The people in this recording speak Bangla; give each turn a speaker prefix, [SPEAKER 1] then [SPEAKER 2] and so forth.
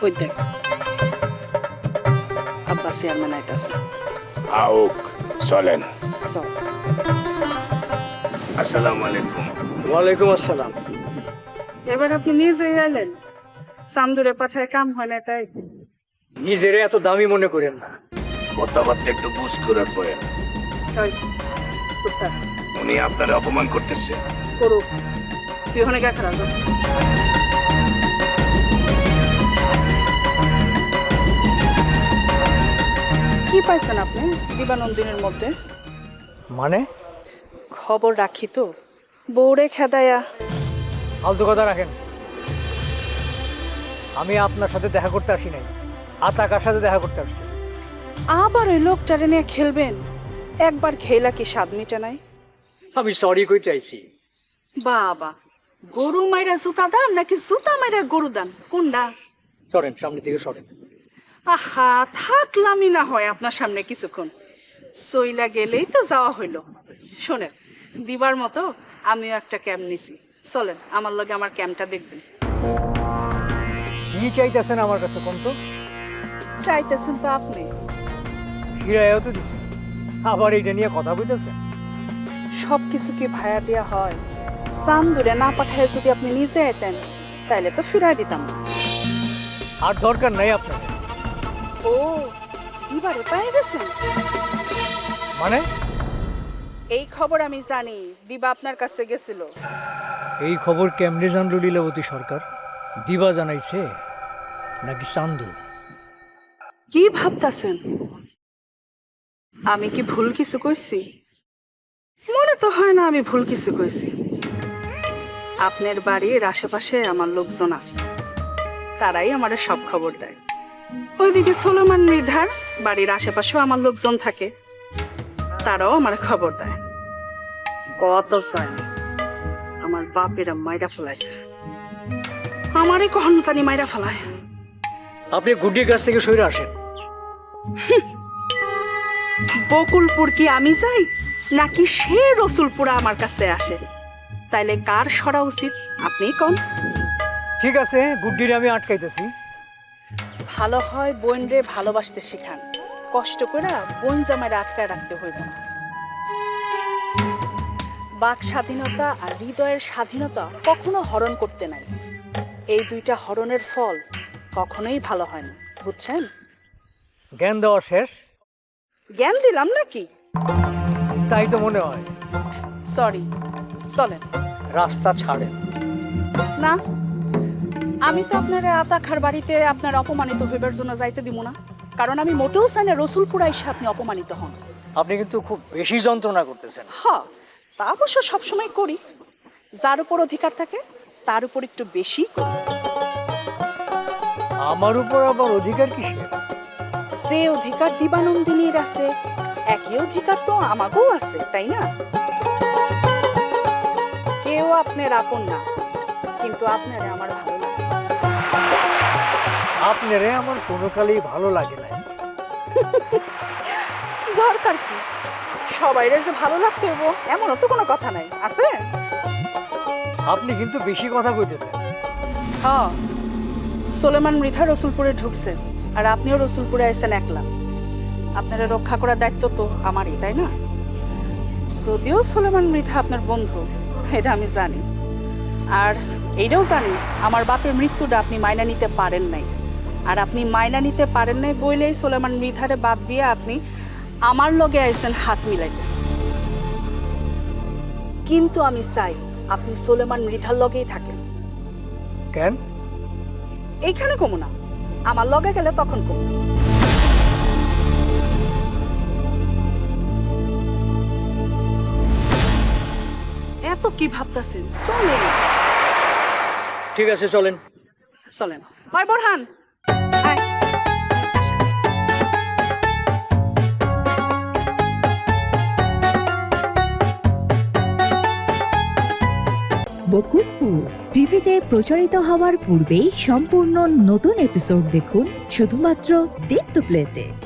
[SPEAKER 1] ওই দেখ আব্বা চেয়ারম্যান আইতাছে।
[SPEAKER 2] আউক চলেন।
[SPEAKER 1] চল।
[SPEAKER 2] আসসালামু আলাইকুম।
[SPEAKER 3] ওয়ালাইকুম আসসালাম।
[SPEAKER 1] এবার আপনি নিজেই এলেন, চান্দুরে পাঠায় কাম হয় না তাই?
[SPEAKER 3] নিজেরে এত দামি মনে করেন না।
[SPEAKER 2] কথাবার্তা একটু বুঝ করে করেন।
[SPEAKER 1] ওই, চুপ থাক।
[SPEAKER 2] উনি আপনার অপমান করতেছে।
[SPEAKER 1] করুক, তুই ওখানে গা খারাপ। কি পাইছেন আপনি দিবানন্দিনীর মধ্যে?
[SPEAKER 3] মানে
[SPEAKER 1] খবর রাখি তো, বউরে খেদায়া।
[SPEAKER 3] ফালতু কথা রাখেন। আমি আপনার সাথে দেখা করতে আসি নাই, আতাকার সাথে দেখা করতে আসছি।
[SPEAKER 1] আবার ওই লোকটারে নিয়ে খেলবেন? একবার খেলা কি স্বাদ মিটে নাই?
[SPEAKER 3] আমি সরি কই চাইছি।
[SPEAKER 1] বাবা, গরু মাইরা জুতা দান নাকি জুতা মাইরা গরু দান, কোনটা?
[SPEAKER 3] সরেন, সামনে থেকে সরেন।
[SPEAKER 1] আহা, থাকলামই না হয় আপনার সামনে কিছুক্ষণ, সইলা গেলেই তো যাওয়া হইল। শোনেন, দিবার মতো আমিও একটা ক্যাম্প নিছি, চলেন আমার লগে আমার ক্যাম্পটা দেখবেন।
[SPEAKER 3] কি চাইতেছেন আমার কাছে কোন তো?
[SPEAKER 1] চাইতেছেন তো আপনি।
[SPEAKER 3] হিরায়ও তো দিছে, আবার এইটা নিয়ে কথা বলতেছেন।
[SPEAKER 1] সব কিছু কি ভায়া দেয়া হয়? চান্দুরে না পাঠায় যদি আপনি নিজে আইতেন তাইলে তো ফিরাই দিতাম না।
[SPEAKER 3] আর দরকার নাই আপনার।
[SPEAKER 1] ও, দিবারে পাই গেছেন?
[SPEAKER 3] মানে
[SPEAKER 1] এই খবর আমি জানি, দিবা আপনার কাছে গেছিল।
[SPEAKER 3] এই খবর কেমনে জানলো লীলাবতী সরকার? দিবা জানাইছে নাকি চান্দু?
[SPEAKER 1] কি ভাবতাছেন? আমি কি ভুল কিছু কইছি? মনে তো হয় না আমি ভুল কিছু কইছি। আপনার বাড়ির আশেপাশে আমার লোকজন আছে, তারাই আমার সব খবর দেয়। ওইদিকে সোলোমান মৃধার বাড়ির আশেপাশেও আমার লোকজন থাকে, তারাও আমার খবর দেয়। কত চাই আমার বাপেরা মাইরা ফেলাইছে, আমারই কখন জানি মাইরা ফেলায়।
[SPEAKER 3] আপনি গুড্ডির কাছ থেকে সরে আসেন।
[SPEAKER 1] বকুলপুর কি আমি যাই নাকি সে রসুলপুরা আমার কাছে আসে? তাইলে কার সরা উচিত আপনিই কোন?
[SPEAKER 3] ঠিক আছে, গুড্ডিরে আমি আটকাইতেছি।
[SPEAKER 1] ভালো হয় বোন রে ভালোবাসতে শিখান, কষ্ট করে বোন জামাইরে আটকায় রাখতে হইব না। বাক স্বাধীনতা আর হৃদয়ের স্বাধীনতা কখনো হরণ করতে নাই। এই দুইটা হরণের ফল কখনোই ভালো হয় না, বুঝছেন?
[SPEAKER 3] জ্ঞান দেওয়া শেষ?
[SPEAKER 1] জ্ঞান দিলাম নাকি?
[SPEAKER 3] তাই তো মনে হয়।
[SPEAKER 1] সরি, চলেন।
[SPEAKER 3] রাস্তা ছাড়েন।
[SPEAKER 1] না, আমি তো আপনার আতাখার বাড়িতে আপনার অপমানিত হইবার জন্য যাইতে দিব না, কারণ আমি মোটেও চাই না রসুলপুরা এসে আপনি অপমানিত হন।
[SPEAKER 3] আপনি কিন্তু খুব বেশি যন্ত্রণা করতেছেন।
[SPEAKER 1] হ্যাঁ, তা অবশ্য সবসময় করি। যার উপর অধিকার থাকে তার উপর একটু বেশি করি।
[SPEAKER 3] আমার উপর আবার অধিকার কিসের?
[SPEAKER 1] যে অধিকার দিবানন্দিনীর আছে, একই অধিকার তো আমাকেও আছে, তাই না? কেউ আপনার আপন না, কিন্তু আপনারে আমার ভালো লাগে।
[SPEAKER 3] আপনারে আমার কোনো কালেই ভালো লাগে না।
[SPEAKER 1] দরকার কি? সবাইরে যে ভালো লাগতে হইব এমনও তো কোনো কথা নাই, আছে?
[SPEAKER 3] আপনি কিন্তু বেশি কথা কইতেছেন।
[SPEAKER 1] হ্যাঁ, সোলেমান মৃধা রসুলপুরে ঢুকছে, আর আপনিও রসুলপুরে আইছেন একলা। আপনারা রক্ষা করার দায়িত্ব তো আমারই, তাই না? যদিও সোলেমান মৃধা আপনার বন্ধু, এটা আমি জানি। আর এইটাও জানি আমার বাপের মৃত্যুটা আপনি মাইনা নিতে পারেন নাই। আর আপনি মাইনা নিতে পারেন নাই বইলেই সোলেমান মৃধারে বাদ দিয়ে আপনি আমার লগে আইছেন হাত মিলাইতে। কিন্তু আমি চাই আপনি সোলেমান মৃধার লগেই থাকেন।
[SPEAKER 3] কেন?
[SPEAKER 1] এইখানে কমু না, আমার লগে গেলে তখন কমু। এত কি ভাবতেছেন? চলেন।
[SPEAKER 3] ঠিক আছে, চলেন।
[SPEAKER 1] চলেন। হয় বোরহান, আয়। আসেন।
[SPEAKER 4] বকুলপুর টিভিতে প্রচারিত হওয়ার পূর্বেই সম্পূর্ণ নতুন এপিসোড দেখুন শুধুমাত্র দীপ্ত প্লেতে।